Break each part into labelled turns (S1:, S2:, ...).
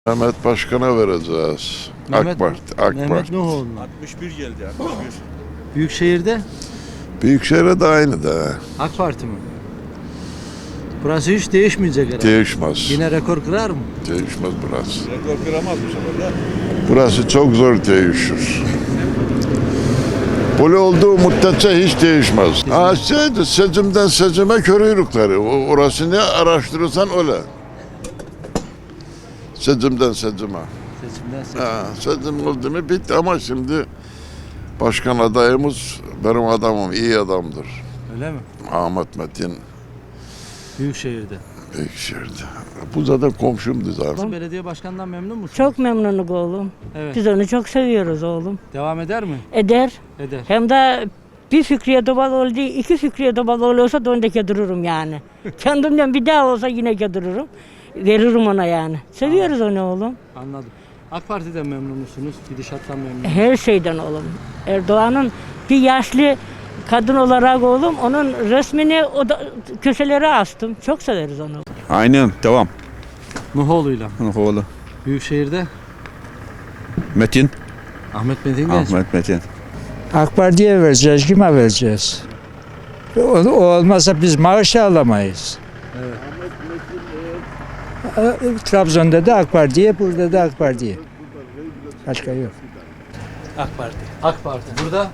S1: Mehmet Başkan'a vereceğiz. AK Parti.
S2: Mehmet Nuhoğlu.
S3: 61 geldi 61.
S2: Büyükşehir'de
S1: Büyükşehir'e de aynı da.
S2: AK Parti mi? Burası hiç değişmeyecek herhalde.
S1: Değişmez.
S2: Yine rekor kırar mı?
S1: Değişmez burası.
S3: Rekor kıramaz bu sefer de.
S1: Burası çok zor değişir. Böyle olduğu müddetçe hiç değişmez. Seçimden seçime körüyrükleri. Orasını araştırırsan öyle. Seçimden seçime.
S2: Seçimden seçim.
S1: Seçim oldu mu bitti ama şimdi başkan adayımız benim adamım, iyi adamdır.
S2: Öyle mi?
S1: Ahmet Metin
S2: Büyükşehir'de.
S1: Büyükşehir'de. Bu zaten komşumdu zaten.
S2: Belediye başkanından memnun musun?
S4: Çok memnunum oğlum.
S2: Evet.
S4: Biz onu çok seviyoruz oğlum.
S2: Devam eder mi?
S4: Eder.
S2: Eder.
S4: Hem de bir Fikriye Dobaloğlu değil, iki Fikriye Dobaloğlu olsa da onu dururum yani. Kendimden bir daha olsa yine dururum. Veririm ona yani. Seviyoruz onu oğlum.
S2: Anladım. AK Parti'den memnun musunuz? Gidişattan memnun musunuz?
S4: Her şeyden oğlum. Erdoğan'ın bir yaşlı kadın olarak oğlum onun resmini o da köşelere astım. Çok severiz onu.
S5: Aynen devam.
S2: Nuhoğlu'yla.
S5: Nuhoğlu.
S2: Büyükşehir'de
S5: Metin.
S2: Ahmet Metin Genç.
S5: Ahmet Metin.
S6: AK Parti'ye vereceğiz, kime vereceğiz? O olmazsa biz maaş alamayız.
S2: Evet.
S6: Trabzon'da da AK Parti'ye, burada da AK Parti'ye. Başka yok.
S2: AK Parti. AK Parti. Burada?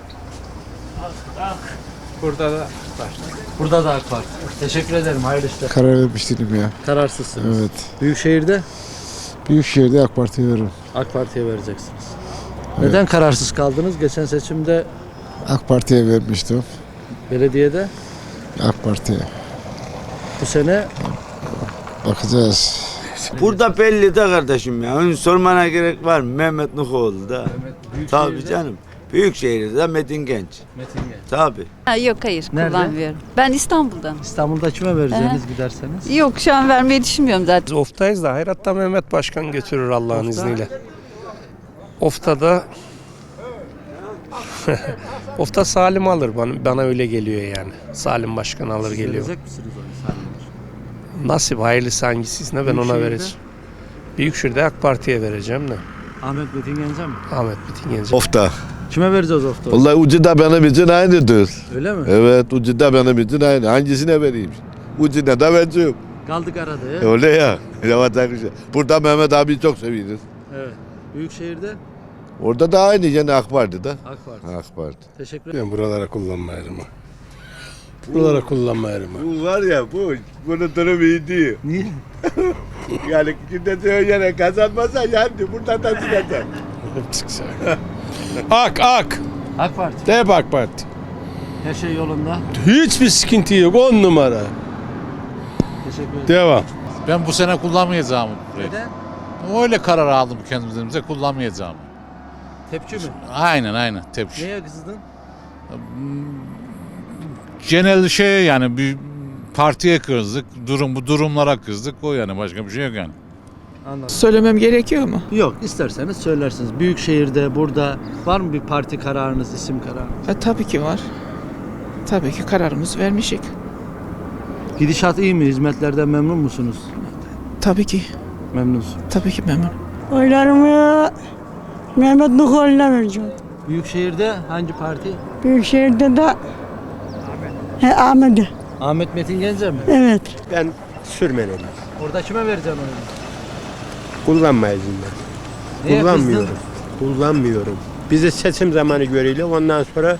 S7: Burada da var.
S2: Burada da AK Parti. Teşekkür ederim. Hayırlı işler.
S8: Karar vermiş değilim ya.
S2: Kararsızsınız.
S8: Evet.
S2: Büyükşehir'de
S8: Büyükşehir'de AK Parti'ye veririm.
S2: AK Parti'ye vereceksiniz. Neden kararsız kaldınız? Geçen seçimde
S8: AK Parti'ye vermiştim.
S2: belediyede,
S8: AK Parti'ye.
S2: bu sene
S8: Bakacağız.
S9: Burada belli de kardeşim ya. Onu sormana gerek var mı? Mehmet Nuhoğlu da. Tabii canım. Büyükşehir'de de Metin Genç.
S2: Metin Genç.
S9: Tabii.
S10: Yok hayır
S2: Nerede?
S10: kullanmıyorum. Ben İstanbul'dan.
S2: İstanbul'da kime vereceğiniz giderseniz?
S10: Yok şu an vermeyi düşünmüyorum zaten.
S7: Oftayız da Hayrat'ta Mehmet Başkan götürür Allah'ın
S2: Ofta?
S7: izniyle. Ofta'da Ofta Salim alır bana öyle geliyor yani. Salim Başkan alır geliyor.
S2: Verecek misiniz onu Salim Başkan?
S7: Nasip hayırlısı hangisiyse ben ona
S2: Büyükşehir'de?
S7: vereceğim. Büyükşehir'de AK Parti'ye vereceğim de.
S2: Ahmet Metin Genç'e mi?
S7: Ahmet Metin Genç'e.
S11: Ofta.
S2: Kime vereceğiz ofta?
S11: Vallahi ucu da benim için aynıdır.
S2: Öyle mi?
S11: Evet ucu da benim için aynı. Hangisine vereyim? Ucuna da vereceğim.
S2: Kaldık arada ya.
S11: Öyle ya. Evet arkadaşlar. Burada Mehmet abi çok seviyoruz.
S2: Evet. Büyükşehir'de
S11: Orada da aynı yani AK Parti'de.
S2: AK Parti.
S11: AK Parti.
S2: Teşekkür ederim.
S7: Ben buralara kullanmayarım. Buralara kullanmayarım.
S11: Bu var ya bunun durumu iyi değil.
S2: Niye?
S11: Yani şimdi söyleyene kazanmasa yendi. Buradan da çıkacak.
S7: AK.
S2: AK Parti.
S7: Hep AK Parti.
S2: Her şey yolunda.
S7: Hiçbir sıkıntı yok. 10 numara.
S2: Teşekkür ederim.
S7: Devam.
S12: Ben bu sene kullanmayacağım.
S2: Neden?
S12: Öyle karar aldım kendimize kullanmayacağım.
S2: Tepki mi?
S12: Aynen tepki.
S2: Neye kızdın?
S12: Genel şey yani bir partiye kızdık. Bu durumlara kızdık. O yani başka bir şey yok yani.
S2: Anladım.
S13: Söylemem gerekiyor mu?
S2: Yok isterseniz söylersiniz. Büyükşehir'de burada var mı bir parti kararınız, isim kararınız?
S13: Tabii ki var. Tabii ki kararımızı vermişik.
S2: Gidişat iyi mi? Hizmetlerden memnun musunuz?
S13: Tabii ki.
S2: Memnunsun.
S13: Tabii ki memnun.
S4: Oylarımı Mehmet Nuhoğlu'na vereceğim.
S2: Büyükşehir'de hangi parti?
S4: Büyükşehir'de de Ahmet'e.
S2: Ahmet Metin Genç'e mi?
S4: Evet.
S7: Ben sürmenim.
S2: Orada kime vereceksin oyunu?
S7: Kullanmayız ben.
S2: Neye
S7: Kullanmıyorum.
S2: kızdın?
S7: Kullanmıyorum. Bizi seçim zamanı görüyle ondan sonra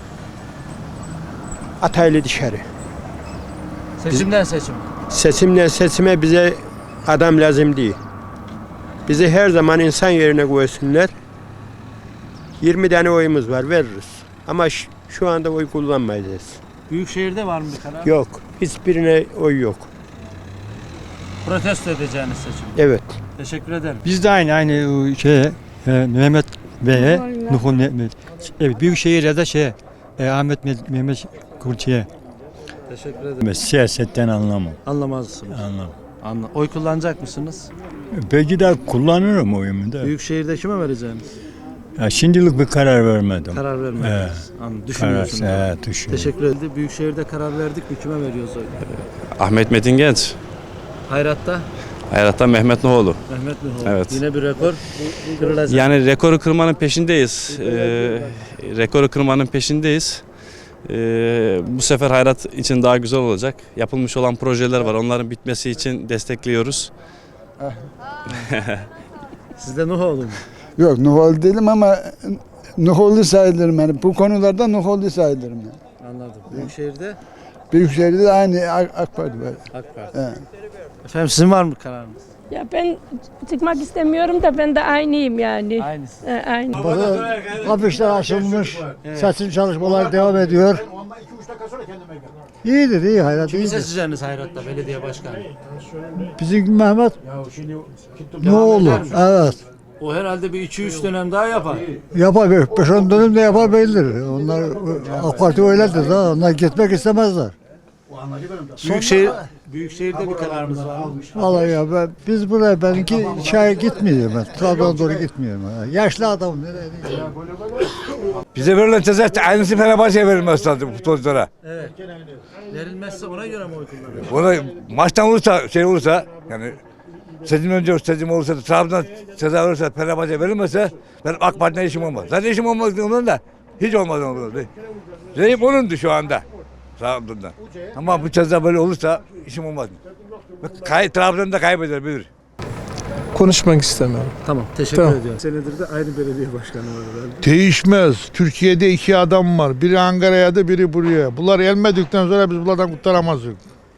S7: ataylı dışarı.
S2: Seçimden seçim.
S7: Seçimden seçime bize adam lazım değil. Bizi her zaman insan yerine koysunlar. 20 tane oyumuz var veririz. Ama şu anda oy kullanmayacağız.
S2: Büyükşehir'de var mı bir karar?
S7: Yok. Hiçbirine oy yok.
S2: Protesto edeceğiniz seçim.
S7: Evet.
S2: Teşekkür ederim.
S6: Biz de aynı Mehmet Bey'e, Nuhul Mehmet. Evet, Büyükşehir'de de Ahmet Mehmet Kurtiye.
S2: Teşekkür ederim.
S6: Siyasetten anlamam.
S2: Anlamazsınız.
S6: Anlam.
S2: Oy kullanacak mısınız?
S6: Belki de kullanırım oyumu da.
S2: Büyükşehir'de kime vereceğiniz?
S6: Şimdilik bir karar vermedim.
S2: Karar vermediniz. Anladım. Düşünüyorsunuz.
S6: Düşünüyorum.
S2: Teşekkür ederim. Büyükşehir'de karar verdik mi? Kime veriyoruz oyu?
S5: Ahmet Metin Genç.
S2: Hayrat'ta
S5: Hayrat'ta Mehmet Nuhoğlu.
S2: Mehmet Nuhoğlu.
S5: Evet.
S2: Yine bir rekor kırılacak.
S5: Yani rekoru kırmanın peşindeyiz. Rekoru kırmanın peşindeyiz. Bu sefer Hayrat için daha güzel olacak. Yapılmış olan projeler var. Onların bitmesi için destekliyoruz.
S2: Siz de Nuhoğlu mu?
S11: Yok Nuhoğlu değilim ama Nuhoğlu sayılırım yani. Bu konularda Nuhoğlu sayılırım yani.
S2: Anladım. Büyükşehir'de
S11: Büyükşehir'de de aynı AK Parti var.
S2: AK Parti.
S11: Evet.
S2: Efendim sizin var mı kararınız?
S4: Ya ben çıkmak istemiyorum da ben de aynıyım yani.
S2: Aynısı.
S4: Aynı.
S11: Afişler açılmış. Seçim çalışmaları devam ediyor. İyidir, iyi hayrat.
S2: Kimi seçeceğiniz Hayrat'ta belediye başkanı?
S11: Bizim Mehmet ne olur? Evet.
S2: O herhalde bir 2-3 dönem daha yapar.
S11: Yapar, 5-10 dönüm de yapar bellidir. Onlar AK Parti öyledir da onlar gitmek istemezler.
S2: Büyükşehir'de bir kararımız var mı?
S11: Vallahi ya biz buraya benimki çaya gitmiyorum ben. Trabzon'a doğru gitmiyorum. Yaşlı adam nereye?
S3: Bize verilen ceza aynısı Fenerbahçe'ye verilmez lazım futbolculara.
S2: Evet. Verilmezse ona göre mi oy kullanıyor?
S3: Ona maçtan olursa yani seçim olursa Trabzon'a ceza olursa Fenerbahçe'ye verilmezse benim AK Parti'ne işim olmaz. Zaten işim olmaz ondan da hiç olmaz ondan. Reyim onundu şu anda Trabzon'da. Ama bu ceza böyle olursa işim olmaz. Trabzon'da kaybeder bilir.
S6: Konuşmak istemiyorum.
S2: Tamam. Teşekkür ediyorum. Senedir de aynı belediye başkanı var herhalde.
S1: Değişmez. Türkiye'de 2 adam var. Biri Ankara'ya da biri buraya. Bunlar gelmedikten sonra biz bunlardan kurtaramazdık.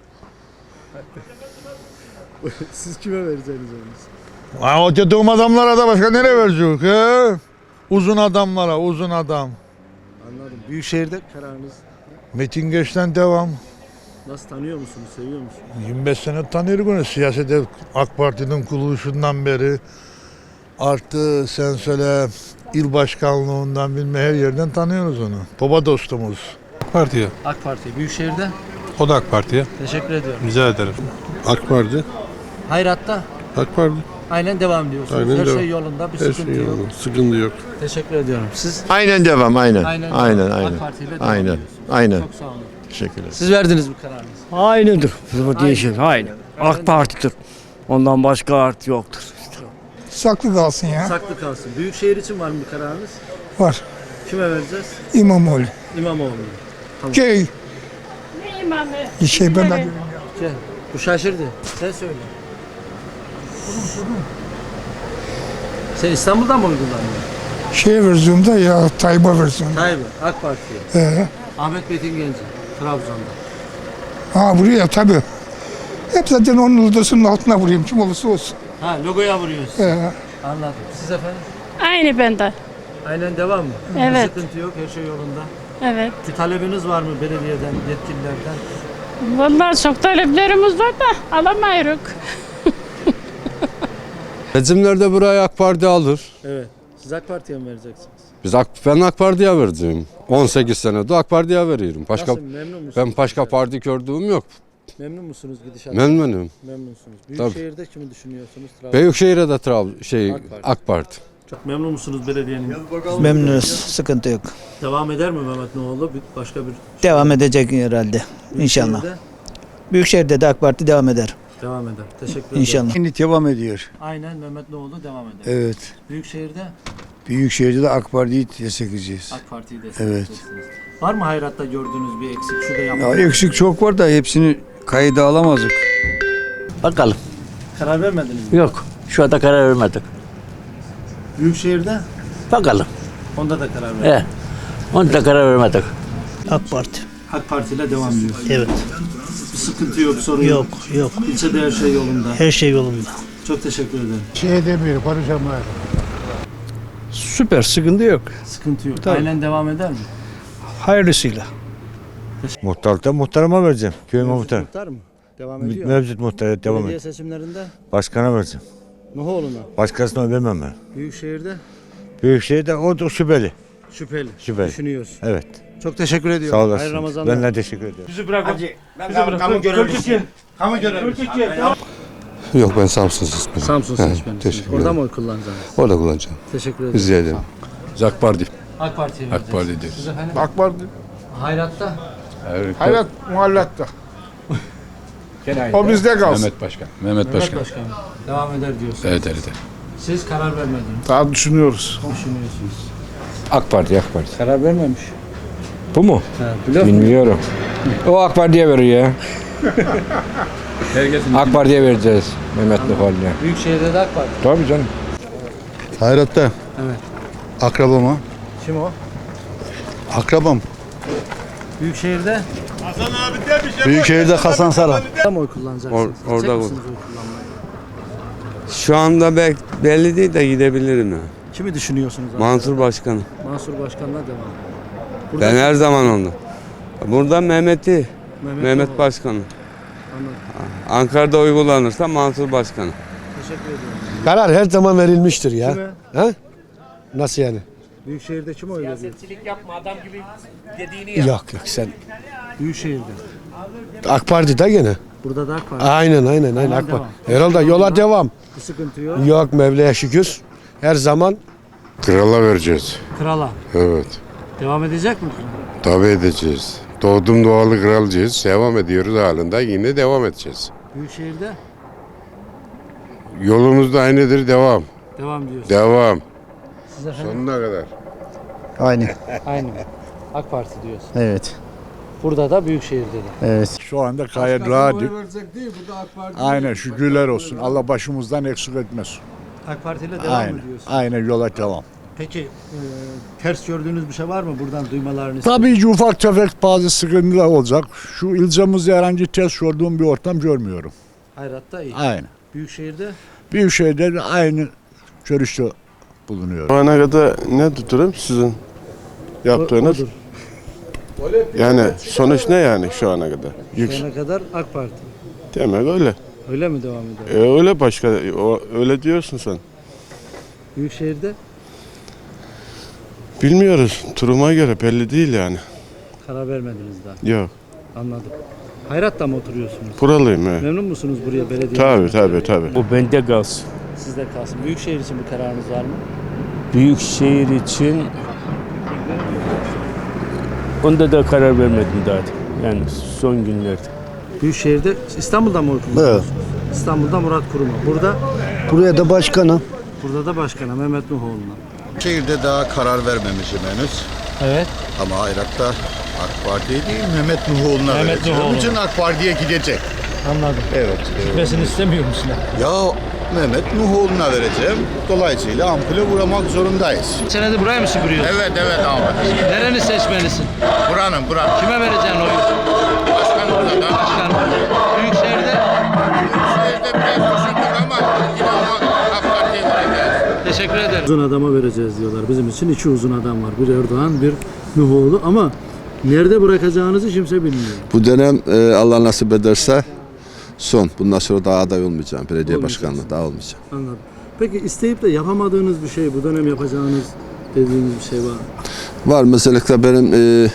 S2: Siz kime vereceğiniz oyunuzu?
S1: O dediğim adamlara da başka nereye verecek? He? Uzun adamlara, uzun adam.
S2: Anladım. Büyükşehir'de kararınız
S1: Metin Geç'ten devam.
S2: nasıl, tanıyor musunuz, seviyor musunuz?
S1: 25 sene tanıyorum onu. Siyasete AK Parti'nin kuruluşundan beri. Artı sen söyle il başkanlığından bilme her yerden tanıyoruz onu. Baba dostumuz.
S6: Partiye.
S2: AK Parti. Büyükşehir'de
S6: O da AK Parti'ye.
S2: teşekkür ediyorum.
S6: Rica ederim.
S1: AK Parti.
S2: Hayrat'ta
S1: AK Parti.
S2: aynen devam diyorsunuz.
S1: Aynen
S2: Her
S1: devam.
S2: şey yolunda, bir sıkıntı yok.
S1: Sıkıntı yok.
S2: Teşekkür ediyorum. Siz
S8: Aynen devam, aynen.
S2: aynen AK Parti ile devam
S8: Aynen,
S2: ediyorsunuz.
S8: aynen.
S2: Çok sağ olun.
S8: Teşekkürler.
S2: Siz verdiniz mi kararınızı?
S14: Aynıdır. Değişir. Aynı. AK Parti'dir. Ondan başka parti yoktur.
S11: Saklı kalsın ya.
S2: Saklı kalsın. Büyükşehir için var mı bir kararınız?
S11: Var.
S2: Kime vereceğiz?
S11: İmamoğlu.
S2: İmamoğlu.
S11: Şey,
S4: Ne imamı?
S11: ben de
S2: Gel. Bu şaşırdı. Sen söyle. Sen İstanbul'dan mı oy kullanıyorsun?
S11: şey verziyorumda ya Tayyip'e verziyorum.
S2: Tayyip, AK Parti'ye. Ahmet Metin Genci, Trabzon'da.
S11: Buraya tabii. Hep zaten onun odasının altına vurayım kim olursa olsun.
S2: Ha, logoya vuruyorsun. Anladım. Siz efendim?
S4: Aynı bende.
S2: Aynen devam mı?
S4: Evet.
S2: Bir sıkıntı yok, her şey yolunda.
S4: Evet.
S2: Bir talebiniz var mı belediyeden, yetkililerden?
S4: Vallahi çok taleplerimiz var da alamayız.
S6: Seçimlerde burayı AK Parti alır.
S2: Evet. Siz AK Parti'ye mi vereceksiniz?
S6: Ben AK Parti'ye verdim. 18 senedir AK Parti'ye veriyorum.
S2: Nasıl, memnun musunuz?
S6: Ben başka parti gördüğüm yok.
S2: Memnun musunuz gidişattan?
S6: Memnunum.
S2: Memnunsunuz. Büyükşehir'de kimi düşünüyorsunuz?
S6: Büyükşehir'e de AK Parti.
S2: Çok memnun musunuz belediyenin?
S14: Memnunuz. Sıkıntı yok.
S2: Devam eder mi Mehmet Nuhoğlu? Başka bir
S14: Devam edecek herhalde. İnşallah.
S2: Büyükşehir'de
S14: Büyükşehir'de de AK Parti devam eder.
S2: devam eder. Teşekkür ederim.
S14: İnşallah.
S8: Şimdi devam ediyor.
S2: Aynen Mehmet Nuhoğlu devam eder.
S8: Evet.
S2: Büyükşehir'de
S8: Büyükşehir'de de AK Parti'yi destekleyeceğiz.
S2: AK Parti'yi destekleyeceksiniz. Var mı Hayrat'ta gördüğünüz bir eksik? Şu da
S8: Ya
S2: yapmadık.
S8: eksik çok var da hepsini kayda alamazdık.
S14: Bakalım.
S2: Karar vermediniz mi?
S14: Yok. Şu anda karar vermedik.
S2: Büyükşehir'de
S14: Bakalım.
S2: onda da karar vermedik.
S14: Onu da karar vermedik. AK Parti.
S2: AK Parti ile devam ediyoruz.
S14: Evet.
S2: Bir sıkıntı yok, sorun yok.
S14: Yok.
S2: İlçede her şey yolunda.
S14: Her şey yolunda.
S2: Çok teşekkür ederim.
S11: Şey demiyor, konuşamıyor.
S14: Süper. Sıkıntı yok.
S2: Sıkıntı yok. Aynen devam eder mi?
S14: Hayırlısıyla.
S8: Muhtarlıkta muhtarıma vereceğim. Köy muhtar.
S2: Muhtar mı? Devam ediyor.
S8: Mevcut muhtara devam
S2: Belediye
S8: et.
S2: seçimlerinde
S8: Başkana vereceğim.
S2: Nuhoğlu'na.
S8: Başkasına vermem ben.
S2: Büyükşehir'de
S8: Büyükşehir'de o da şüpheli.
S2: şüpheli.
S8: Şüpheli.
S2: Düşünüyoruz.
S8: Evet.
S2: Çok teşekkür ediyorum.
S8: Sağ olasın.
S2: Hayırlı Ramazanlar.
S8: Ben de teşekkür ederim.
S11: Bizi bırak. Kamu görevlisi. Kamu görevlisi.
S6: Yok ben Samsun seçmenim.
S2: Samsun seçmenisiniz.
S6: teşekkür
S2: Orada
S6: ederim.
S2: mı oy kullanacaksınız?
S6: Orada kullanacağım.
S2: Teşekkür ederim.
S6: Rica ederim. AK Parti.
S2: AK Parti'ye
S6: AK Parti
S2: vereceksiniz. Siz efendim?
S11: AK Parti.
S2: Hayrat'ta
S11: Hayrat muhallatta.
S12: O bizde kalsın.
S15: Mehmet Başkan. Mehmet Başkan.
S2: Başkanım. Devam eder diyorsunuz.
S15: Evet.
S2: Siz karar vermediniz.
S12: Daha düşünüyoruz.
S2: Düşünüyorsunuz.
S15: AK Parti.
S2: Karar vermemiş.
S15: Bu mu?
S2: Blöf mü?
S15: Bilmiyorum. O AK Parti'ye veriyor ya. AK Parti'ye vereceğiz Mehmet Nuhal'le.
S2: Büyükşehir'de de AK Parti.
S15: Tabii canım.
S11: Hayrat'ta
S2: Evet.
S11: akrabam ha.
S2: Kim o?
S11: Akrabam.
S2: Büyükşehir'de
S11: Büyükşehir'de Hasan Saran.
S2: mı oy kullanacaksınız?
S9: Orada
S2: Gidecek
S9: bu.
S2: misiniz oy kullanmaya?
S9: Şu anda belli değil de gidebilirim ya.
S2: Kimi düşünüyorsunuz? abi?
S9: Mansur Başkanım.
S2: Mansur Başkan'la devam. Burada
S9: Ben her zaman onu. Burada Mehmet
S2: Mehmet
S9: Başkanım.
S2: Anladım.
S9: Ankara'da uygulanırsa Mansur Başkanım.
S2: Teşekkür ediyorum.
S11: Karar her zaman verilmiştir ya.
S2: Kime?
S11: Ha? Nasıl yani?
S2: Büyükşehir'de kim oy veriyor?
S11: Yok sen
S2: Büyükşehir'de.
S11: AK Parti'de gene.
S2: Burada da AK Parti.
S11: Aynen AK Parti. Herhalde yola devam.
S2: Bir sıkıntı yok.
S11: Yok Mevla'ya şükür. Her zaman
S8: Krala vereceğiz.
S2: Krala.
S8: Evet.
S2: Devam edecek mi?
S8: Tabii edeceğiz. Doğdum doğalı kralcıyız. Devam ediyoruz halinde. Yine devam edeceğiz.
S2: Büyükşehir'de
S8: Yolumuz da aynıdır. Devam.
S2: devam diyorsun.
S8: Devam.
S2: Siz efendim?
S8: Sonuna kadar.
S11: aynı.
S2: Aynı. AK Parti diyorsun.
S11: Evet.
S2: Burada da Büyükşehir'de de.
S11: Evet.
S12: Şu anda gayet rahatım. Aynen şükürler olsun. Allah başımızdan eksik etmesin.
S2: AK Parti ile devam mı diyorsun?
S12: Aynen yola devam.
S2: Peki ters gördüğünüz bir şey var mı buradan duymalarını istiyorum.
S12: Tabii ki ufak tefek bazı sıkıntılar olacak. Şu ilçemizde herhangi ters gördüğüm bir ortam görmüyorum.
S2: Hayrat'ta iyi.
S12: Aynen.
S2: Büyükşehir'de
S12: Büyükşehir'de de aynı görüşte bulunuyor.
S8: Şu ana kadar ne tuturum sizin
S2: odur.
S8: Yani sonuç ne yani şu ana kadar?
S2: Şu ana kadar AK Parti.
S8: Demek öyle.
S2: Öyle mi devam eder?
S8: Öyle başka. Öyle diyorsun sen.
S2: Büyükşehir'de
S8: Bilmiyoruz. Turuma göre belli değil yani.
S2: karar vermediniz daha.
S8: Yok.
S2: Anladım. Hayrat'ta mı oturuyorsunuz?
S8: Buralıyım he.
S2: Memnun musunuz buraya belediye?
S8: Tabii.
S14: Bu bende kalsın.
S2: Sizde kalsın. Büyükşehir için bir kararınız var mı?
S14: Büyükşehir için onda da karar vermedim daha. Yani son günlerde.
S2: Büyükşehir'de İstanbul'da mı oy kullanıyorsunuz? İstanbul'da Murat Kurum'a.
S11: Buraya da başkanım.
S2: Burada da başkana Mehmet Nuhoğlu'na.
S11: Şehirde daha karar vermemişim henüz.
S2: Evet.
S11: Ama Hayrat'ta AK Parti'ye değil Mehmet Nuhoğlu'na
S2: Mehmet
S11: vereceğim.
S2: Nuhoğlu.
S11: Bütün AK Parti'ye gidecek.
S2: Anladım.
S11: Evet.
S2: Gitmesini istemiyor musun?
S11: Ya Mehmet Nuhoğlu'na vereceğim. Dolayısıyla ampule vuramak zorundayız.
S2: Senede buraya mı süpürüyorsun?
S11: Evet abi.
S2: Nereni seçmelisin?
S11: Buranın.
S2: Kime vereceksin oyu?
S11: Başkanımıza da.
S2: Başkan. Büyükşehir'de
S11: Şehirde biraz düşündük ama yine ama AK Parti'ye vereceğiz.
S2: teşekkür ederim. Uzun adama vereceğiz diyorlar. Bizim için iki uzun adam var. Bir Erdoğan, bir Nuhoğlu ama nerede bırakacağınızı kimse bilmiyor.
S16: Bu dönem Allah nasip ederse son. Bundan sonra daha aday olmayacağım. Belediye başkanlığı daha olmayacağım.
S2: Anladım. Peki isteyip de yapamadığınız bir şey, bu dönem yapacağınız dediğiniz bir şey var mı?
S16: Var mesela benim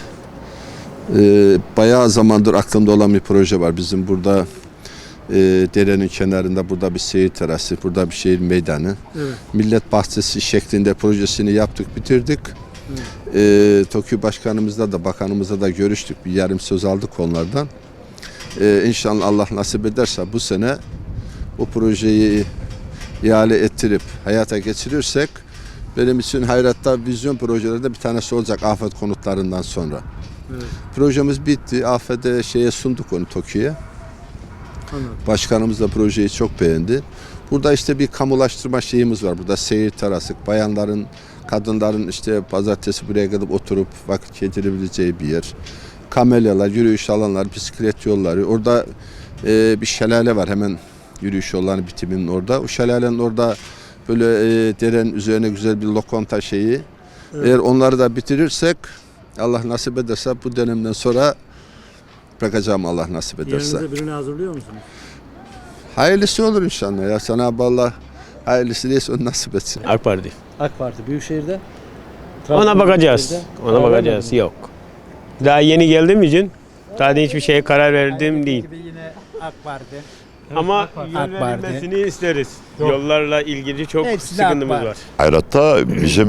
S16: bayağı zamandır aklımda olan bir proje var. Bizim burada derenin kenarında burada bir seyir terası, burada bir şehir meydanı.
S2: Evet.
S16: Millet bahçesi şeklinde projesini yaptık, bitirdik. Evet. TOKİ başkanımızla da bakanımızla da görüştük. Bir yarım söz aldık onlardan. İnşallah Allah nasip ederse bu sene bu projeyi ihale ettirip hayata geçirirsek benim için Hayrat'ta vizyon projelerde bir tanesi olacak afet konutlarından sonra.
S2: Evet.
S16: Projemiz bitti. Afet'e sunduk onu TOKİ'ye. Başkanımız da projeyi çok beğendi. Burada işte bir kamulaştırma şeyimiz var. Burada seyir terası, bayanların, kadınların işte pazartesi buraya gidip oturup vakit geçirebileceği bir yer. Kamelyalar, yürüyüş alanlar, bisiklet yolları. Orada bir şelale var hemen yürüyüş yollarının bitiminin orada. O şelalenin orada böyle derenin üzerine güzel bir lokanta şeyi. Evet. Eğer onları da bitirirsek Allah nasip ederse bu dönemden sonra bırakacağım Allah nasip ederse.
S2: Yerinize birini hazırlıyor musunuz?
S16: Hayırlısı olur inşallah ya. Cenab-ı Allah hayırlısı neyse onu nasip etsin.
S14: AK Parti.
S2: AK Parti Büyükşehir'de.
S14: Ona bakacağız.
S2: Büyükşehir'de.
S14: Ona bakacağız. Yok. Daha yeni geldiğim için daha da hiçbir şeye karar verdiğim değil.
S2: Yine AK Parti.
S14: Ama yol verilmesini isteriz. Yollarla ilgili çok sıkıntımız var.
S17: Hayrat'ta bizim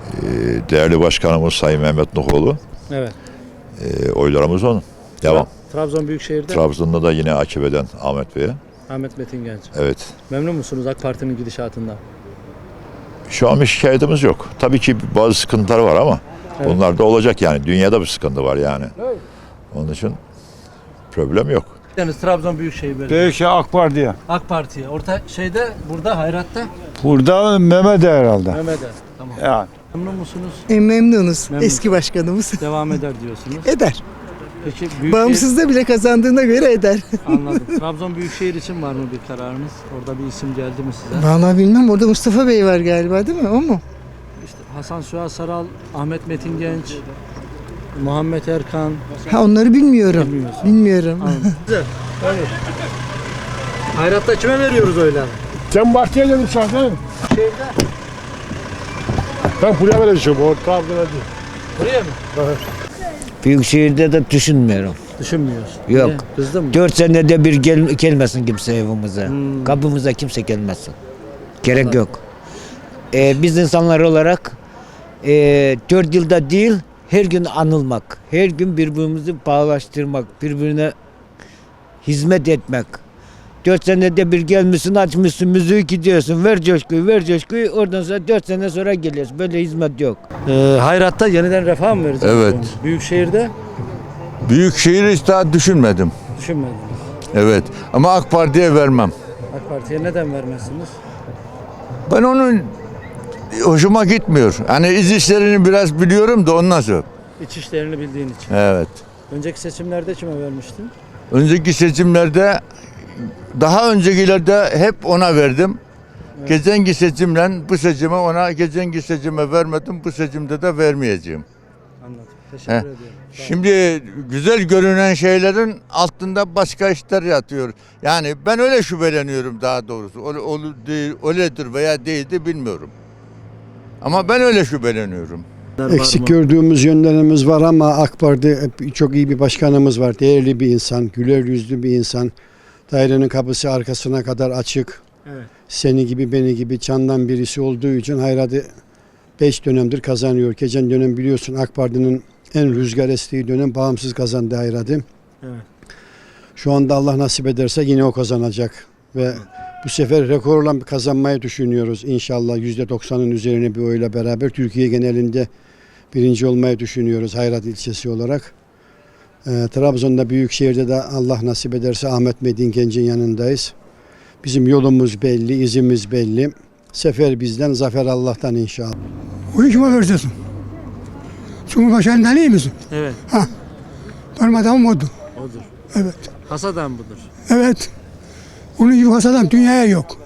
S17: değerli başkanımız Sayın Mehmet Nuhoğlu.
S2: Evet.
S17: Oylarımız onun. Devam.
S2: Trabzon Büyükşehir'de
S17: Trabzon'da da yine AKP'den Ahmet Bey'e.
S2: Ahmet Metin Genç.
S17: Evet.
S2: Memnun musunuz AK Parti'nin gidişatından?
S17: Şu an bir şikayetimiz yok. Tabii ki bazı sıkıntılar var ama
S2: Evet.
S17: bunlar da olacak yani. Dünyada bir sıkıntı var yani. Onun için problem yok.
S2: Yani Trabzon Büyükşehir Belediyesi.
S11: Büyükşehir AK Parti'ye.
S2: AK Parti'ye. Orta şeyde burada Hayrat'ta
S11: Burada Mehmet herhalde.
S2: Mehmet'e. Tamam.
S11: Yani.
S2: Memnun musunuz?
S18: Memnunuz.
S2: Memnun.
S18: Eski başkanımız.
S2: Devam eder diyorsunuz.
S18: Eder.
S2: Peki Büyükşehir...
S18: Bağımsızda bile kazandığına göre eder.
S2: Anladım. Trabzon Büyükşehir için var mı bir kararınız? Orada bir isim geldi mi size?
S18: Vallahi bilmem. Orada Mustafa Bey var galiba değil mi? O mu?
S2: İşte Hasan Suha Saral, Ahmet Metin Genç, Muhammed Erkan.
S18: Ha onları bilmiyorum.
S2: Bilmiyorsun.
S18: Bilmiyorum.
S2: Güzel. Hayır. Hayrat'ta kime veriyoruz öyle?
S11: Sen partiye gelin zaten.
S2: Şeyde.
S11: Ben buraya vereceğim. O Trabzon'a değil.
S2: Buraya mı?
S19: Büyükşehir'de de düşünmüyorum.
S2: Düşünmüyorsun.
S19: Yok.
S2: Niye? Kızdın mı?
S19: 4 senede bir gelmesin kimse evimize. Kapımıza kimse gelmesin. Gerek yok. Biz insanlar olarak 4 yılda değil her gün anılmak. Her gün birbirimizi bağlaştırmak. Birbirine hizmet etmek. 4 senede bir gelmişsin, açmışsın, müziği gidiyorsun. Ver coşkuyu, ver coşkuyu. Oradan sonra 4 sene sonra geliyorsun. Böyle hizmet yok.
S2: Hayrat'ta yeniden refah mı vereceğiz?
S20: Evet.
S2: Büyükşehir'de
S20: Büyükşehir'i hiç daha düşünmedim.
S2: düşünmediniz.
S20: Evet. Ama AK Parti'ye vermem.
S2: AK Parti'ye neden vermezsiniz?
S20: Ben onun hoşuma gitmiyor. Hani iz işlerini biraz biliyorum da ondan sonra.
S2: İç işlerini bildiğin için.
S20: Evet.
S2: Önceki seçimlerde kime vermiştin?
S20: Önceki seçimlerde daha öncekilerde hep ona verdim.
S2: Evet.
S20: Geçenki seçimle bu seçime ona, geçenki seçime vermedim. Bu seçimde de vermeyeceğim.
S2: Anladım. Teşekkür
S20: Heh.
S2: ediyorum. Sağ olun.
S20: Şimdi güzel görünen şeylerin altında başka işler yatıyor. Yani ben öyle şüpheleniyorum daha doğrusu. Öyledir veya değildir bilmiyorum. Ama ben öyle şüpheleniyorum.
S11: Eksik gördüğümüz yönlerimiz var ama AK Parti çok iyi bir başkanımız var. Değerli bir insan, güler yüzlü bir insan. Dairenin kapısı arkasına kadar açık.
S2: Evet.
S11: Seni gibi beni gibi çandan birisi olduğu için Hayrat'ı 5 dönemdir kazanıyor. Geçen dönem biliyorsun AK Parti'nin en rüzgar estiği dönem bağımsız kazandı Hayrat'ı.
S2: Evet.
S11: Şu anda Allah nasip ederse yine o kazanacak. Ve bu sefer rekorla kazanmayı düşünüyoruz. İnşallah %90'ın üzerine bir oyla beraber Türkiye genelinde birinci olmayı düşünüyoruz Hayrat ilçesi olarak. Trabzon'da Büyükşehir'de de Allah nasip ederse Ahmet Metin Genç'in yanındayız. Bizim yolumuz belli, izimiz belli. Sefer bizden, zafer Allah'tan inşallah.
S18: O kime vereceksin? Cumhurbaşkanından iyi misin?
S2: Evet.
S18: Ha. Benim adamım odur.
S2: Odur.
S18: Evet.
S2: Hasadan budur.
S18: Evet. Onun gibi has adam dünyaya yok.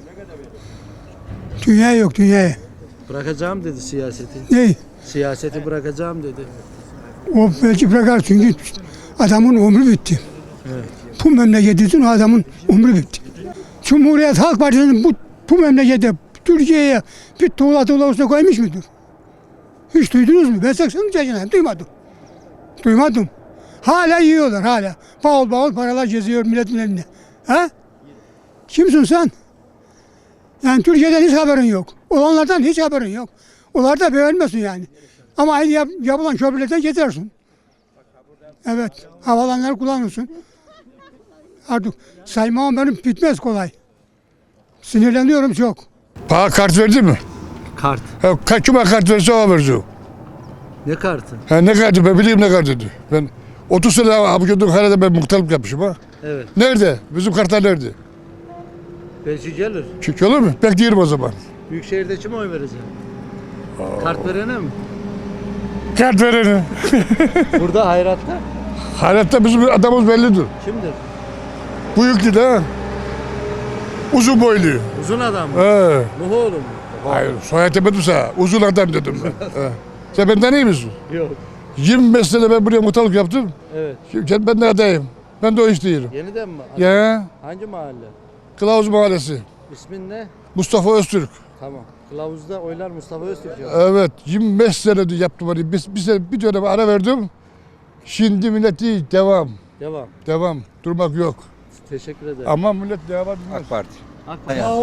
S18: Dünyaya yok, dünyaya.
S2: Bırakacağım dedi siyaseti.
S18: Ne?
S2: Siyaseti bırakacağım dedi.
S18: O belki bırakar çünkü adamın ömrü bitti.
S2: Evet.
S18: Bu memleketin o adamın ömrü bitti. Cumhuriyet Halk Partisi'nin bu memlekete, Türkiye'ye bir tuğla olsa koymuş mudur? Hiç duydunuz mu? Ben 80 yaşındayım, duymadım. Duymadım. Hala yiyorlar, hala. Bavul bavul paralar geziyor milletin elinde. Ha? Kimsin sen? Yani Türkiye'den hiç haberin yok. Olanlardan hiç haberin yok. Onlar da beğenmesin yani. Ama aynı yapılan köprülerden geçersin. Evet, havalanları kullanırsın. Artık saymam benim bitmez kolay. Sinirleniyorum çok.
S11: Bana kart verdi mi?
S2: Kart.
S11: Kime kart verirse o vereceğim.
S2: Ne kartı?
S11: Ne kartı ben bileyim ne kartı. Ben 30 sene abi gördüm herhalde ben muhtarlık yapmışım ha.
S2: Evet.
S11: Nerede? Bizim kartlar nerede?
S2: Belki gelir.
S11: Çünkü olur mu? Bekleyelim o zaman.
S2: Büyükşehir'de kime oy vereceğim? Kart verene mi?
S11: Kart vereni.
S2: Burada Hayrat'ta
S11: Hayatta bizim adamımız bellidir.
S2: kimdir?
S11: Bıyıklı da. Uzun boylu.
S2: Uzun adam mı?
S11: He.
S2: Nuhoğlu mu?
S11: Hayır soyad demedim sana. Uzun adam dedim ben. He. Sen benden iyi misin?
S2: Yok.
S11: 25 sene ben buraya muhtarlık yaptım.
S2: Evet.
S11: Şimdi ben de adayım. Ben de o iş değilim.
S2: Yeniden mi?
S11: Ya.
S2: Hangi mahalle?
S11: Kılavuz Mahallesi.
S2: İsmin ne?
S11: Mustafa Öztürk.
S2: Tamam. Kılavuzda oylar Mustafa Öztürk ya.
S11: Evet 25 senedir yaptım onu. Bir dönem ara verdim. Şimdi millet değil devam.
S2: Devam.
S11: Devam. Durmak yok.
S2: Teşekkür ederim.
S11: Ama millet devam etmez.
S20: AK Parti.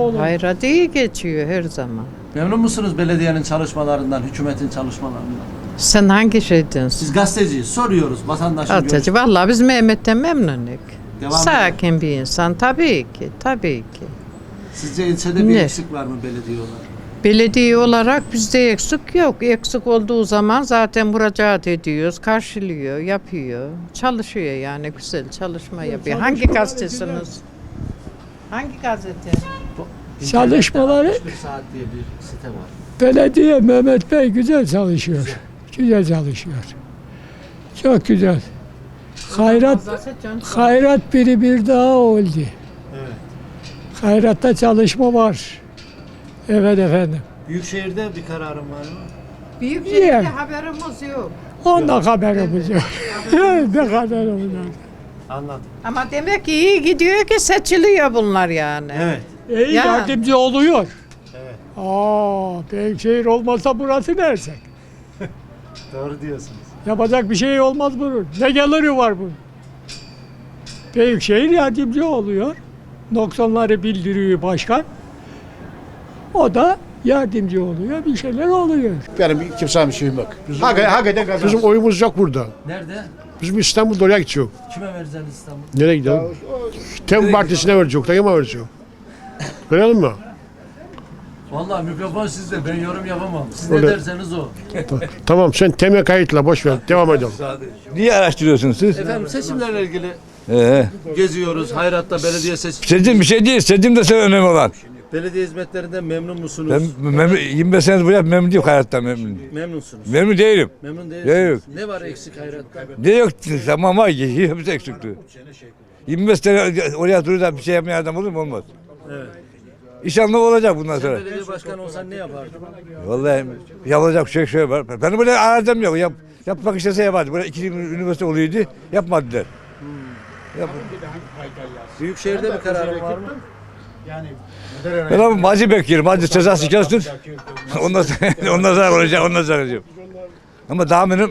S10: Hayrat iyi geçiyor her zaman.
S2: Memnun musunuz belediyenin çalışmalarından, hükümetin çalışmalarından?
S13: Sen hangi şeydensin?
S2: Siz gazeteciyiz. Soruyoruz vatandaşın
S13: Gazeteci. Vallahi biz Mehmet'ten memnunuz.
S2: Devam
S13: Sakin bir insan tabii ki. Tabii ki.
S2: Sizce ilçede bir
S13: Ne?
S2: eksik var mı belediye olarak?
S13: Belediye olarak bizde eksik yok. Eksik olduğu zaman zaten müracaat ediyoruz, karşılıyor, yapıyor, çalışıyor yani güzel çalışma yapıyor. Hangi gazetesiniz? Hangi gazete?
S18: Çalışmaları-
S2: İnternette 61 saat diye bir site var.
S18: Belediye Mehmet Bey güzel çalışıyor. Güzel çalışıyor. Çok güzel. Hayrat biri bir daha oldu.
S2: Evet.
S18: Hayrat'ta çalışma var. Evet efendim.
S2: Büyükşehir'de bir kararım var mı?
S13: Büyükşehir'de
S18: Yani.
S13: haberimiz yok.
S18: Ondan haberimiz yok. Ne haberimiz yok.
S2: Anladım.
S13: Ama demek ki iyi gidiyor ki seçiliyor bunlar yani.
S2: Evet.
S18: İyi
S13: Ya.
S18: yardımcı oluyor.
S2: Evet.
S18: Büyükşehir olmasa burası neresi?
S2: Doğru diyorsunuz.
S18: Yapacak bir şey olmaz bunun. Ne geliri var bunun? Büyükşehir yardımcı oluyor. Noksanları bildiriyor başkan. O da yardımcı oluyor. Bir şeyler oluyor.
S21: Benim kimsenin bir şeyim yok. Hakikaten kazanır. Bizim oyumuz yok burada.
S2: Nerede?
S21: Bizim İstanbul'da oraya gidiyor.
S2: Kime vereceğiz İstanbul?
S21: Nereye gidelim? Tem Partisi'ne verecek. Takıma verecek. Verelim mi?
S2: Vallahi mikrofon sizde. Ben yorum yapamam. Siz
S21: Öyle.
S2: ne derseniz o.
S21: Tamam sen Tem'e kayıtla boş ver. Devam edelim.
S3: Niye araştırıyorsunuz siz?
S2: Efendim seçimlerle ilgili geziyoruz. Hayrat'ta belediye seçim.
S3: Seçim bir şey değil. Seçim de sen önemli olan.
S2: Belediye hizmetlerinden memnun musunuz?
S3: Ben 25 senedir buraya memnun değilim, hayattan memnun değilim.
S2: Memnunsunuz.
S3: Memnun değilim.
S2: Memnun
S3: Yok.
S2: değilsiniz. Ne var eksik Hayrat'ta?
S3: Ne yok tamam ama hepsi eksikti. 25 sene oraya duruyor da bir şey yapmayan adam olur mu? Olmaz.
S2: Evet.
S3: İnşallah olacak bundan
S2: Sen
S3: sonra.
S2: belediye başkanı olsan ne yapardın?
S3: Vallahi yapılacak şey var. Benim böyle arazim yok. Yapmak istese yapardı. Burada 2 üniversite oluyordu. Yapmadılar.
S2: Büyükşehir'de bir kararın var mı?
S3: Ben ama Macı bekliyorum. Macı cezası kestin. Ondan sonra olacak. Ondan sonra olacak. Ama daha benim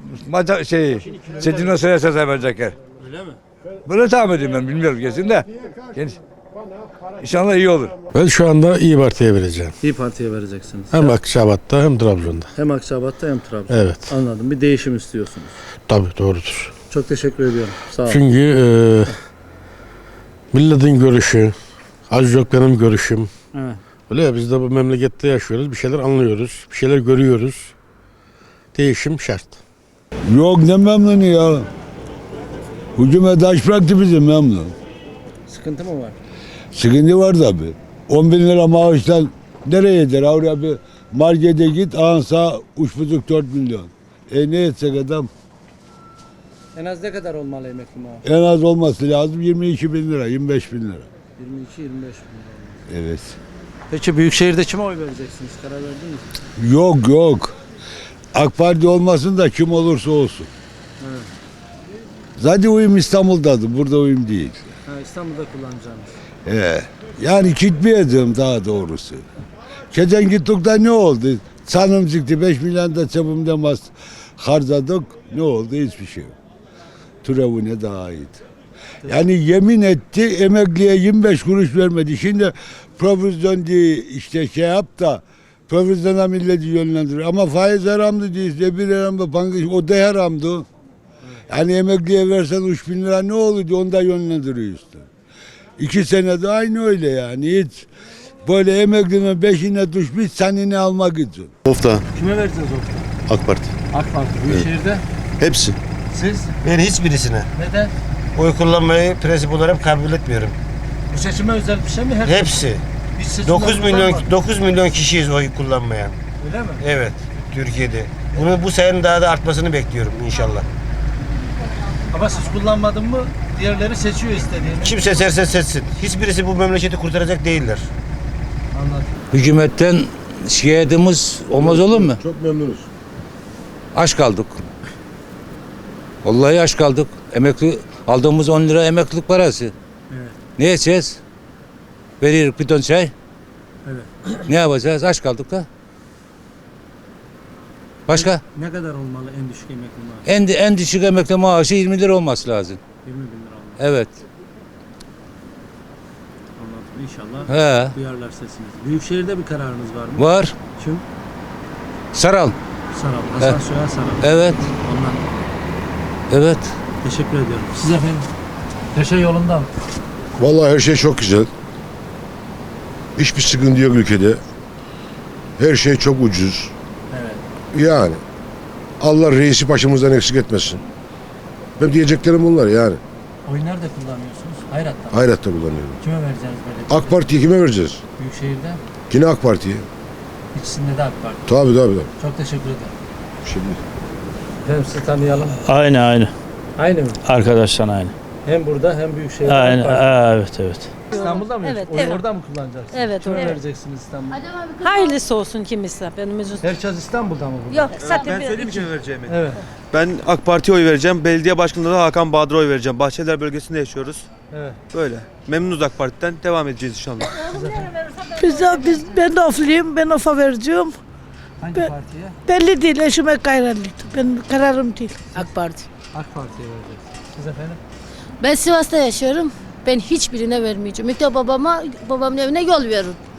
S3: Sedin'den sonra ceza verecekler.
S2: Öyle mi?
S3: Böyle tahmin ediyorum ben. Bilmiyorum kesin de. İnşallah iyi olur.
S21: Ben şu anda İYİ Parti'ye vereceğim.
S2: İyi Parti'ye vereceksiniz.
S21: Hem Akçabat'ta hem Trabzon'da.
S2: Hem Akçabat'ta hem Trabzon'da.
S21: Evet.
S2: Anladım. Bir değişim istiyorsunuz.
S21: Tabii doğrudur.
S2: Çok teşekkür ediyorum. Sağ olun.
S21: Çünkü milletin görüşü, az çok benim görüşüm.
S2: Evet.
S21: Öyle ya biz de bu memlekette yaşıyoruz. Bir şeyler anlıyoruz. Bir şeyler görüyoruz. Değişim şart.
S22: Yok ne memnunu ya. Hükümet taş bıraktı bizi memnun.
S2: Sıkıntı mı var?
S22: Sıkıntı var tabi. 10 bin lira maaştan nereye eder? Oraya bir markete git ansa 3,5-4 milyon. Ne etsek adam?
S2: En az ne kadar olmalı emekli maaşı?
S22: En az olması lazım 22 bin lira, 25 bin lira.
S2: 22-25 bin lira.
S22: Evet.
S2: Peki Büyükşehir'de kime oy vereceksiniz? Karar verdiniz mi?
S22: Yok. AK Parti olmasın da kim olursa olsun.
S2: Evet.
S22: Zaten uyum İstanbul'dadır. Burada uyum değil.
S2: Ha, İstanbul'da kullanacağınız.
S22: Yani gitmeyeceğim daha doğrusu. Geçen gittikten ne oldu? Sanım çıktı 5 milyon da cebimden harcadık. Ne oldu? Hiçbir şey yok. Türevine daha iyiydi. Yani yemin etti emekliye 25 kuruş vermedi. Şimdi provizyon diye işte şey yap da provizyona milleti yönlendirir. Ama faiz haramdı değil. Bir haramdı. O da haramdı. Yani emekliye versen 3 bin lira ne olurdu? Onu da yönlendiriyor işte. 2 senede aynı öyle yani. Hiç böyle emeklinin beşine düşmüş senini almak için.
S23: Ofta.
S2: Kime vereceğiz o?
S23: AK Parti.
S2: AK Parti. Büyükşehir'de?
S23: Hepsi.
S2: Siz?
S24: Ben hiçbirisine.
S2: Neden?
S24: Oy kullanmayı prensip olarak kabul etmiyorum.
S2: Bu seçime özel bir şey mi?
S24: Hepsi.
S2: Hiç seçimler
S24: 9 milyon kişiyiz oy kullanmayan.
S2: Öyle mi?
S24: Evet, Türkiye'de. Bu sayının daha da artmasını bekliyorum inşallah.
S2: Ama siz kullanmadın mı diğerleri seçiyor istediğini.
S24: Kim seçerse seçsin. Hiçbirisi bu memleketi kurtaracak değiller.
S2: Anladım.
S25: Hükümetten şikayetimiz olmaz olur mu?
S21: Çok memnunuz.
S25: Aç kaldık. Vallahi aç kaldık. Emekli aldığımız 10 lira emeklilik parası.
S2: Evet.
S25: Ne yiyeceğiz? Veriyoruz bir ton çay.
S2: Evet.
S25: Ne yapacağız? Aç kaldık da. Başka?
S2: Ne kadar olmalı en düşük emekli maaşı?
S25: En düşük emekli maaşı 20 lira olması lazım.
S2: 20 bin lira olmalı.
S25: Evet.
S2: Anladım. İnşallah
S25: He.
S2: duyarlar sesinizi. Büyükşehir'de bir kararınız var mı?
S25: Var.
S2: Kim?
S25: Saral.
S2: Sarap. Hasan Soyer Sarap.
S25: Evet.
S2: Ondan.
S25: Evet.
S2: Teşekkür ediyorum. Siz efendim? Her şey yolunda mı?
S1: Vallahi her şey çok güzel. Hiçbir sıkıntı yok ülkede. Her şey çok ucuz.
S2: Evet.
S1: Yani Allah reisi başımızdan eksik etmesin. Ben diyeceklerim bunlar yani.
S2: Oy nerede kullanıyorsunuz? Hayrat'ta mı?
S1: Hayrat'ta kullanıyorum.
S2: Kime vereceğiz böyle?
S1: AK Parti'yi kime vereceğiz?
S2: Büyükşehir'de.
S1: Yine AK Parti'ye.
S2: İkisinde de AK Parti.
S1: Tabii.
S2: Çok teşekkür ederim.
S1: Şimdi.
S2: Efendim sizi tanıyalım.
S14: Aynı.
S2: Aynı mı?
S14: Arkadaşlar aynı.
S2: Hem burada hem Büyükşehir'de
S14: Aynı.
S2: AK Parti.
S14: Evet.
S2: İstanbul'da mı?
S4: Evet,
S2: Oyu
S4: evet.
S2: orada mı kullanacaksınız?
S4: Evet,
S2: Kime
S4: evet.
S2: vereceksiniz İstanbul'da?
S4: Hayırlısı olsun kimse benim yüzüm.
S2: Herkes İstanbul'da mı burada?
S4: Yok zaten
S24: Ben söyleyeyim kime vereceğimi.
S2: Evet.
S24: Ben AK Parti'ye oy vereceğim. Belediye başkanlığına da Hakan Bahadır'a oy vereceğim. Bahçeliler bölgesinde yaşıyoruz.
S2: Evet.
S24: Böyle. Memnunuz AK Parti'den. Devam edeceğiz inşallah.
S4: Ben de ofluyum. Ben ofa vereceğim.
S2: Hangi partiye?
S4: Belli değil. Eşime kararlıydı. Ben kararım değil. AK Parti.
S2: AK Parti'ye vereceksiniz. Siz efendim?
S4: Ben Sivas'ta yaşıyorum. Ben hiçbirine vermeyeceğim. İlk de babamın evine yol veririm.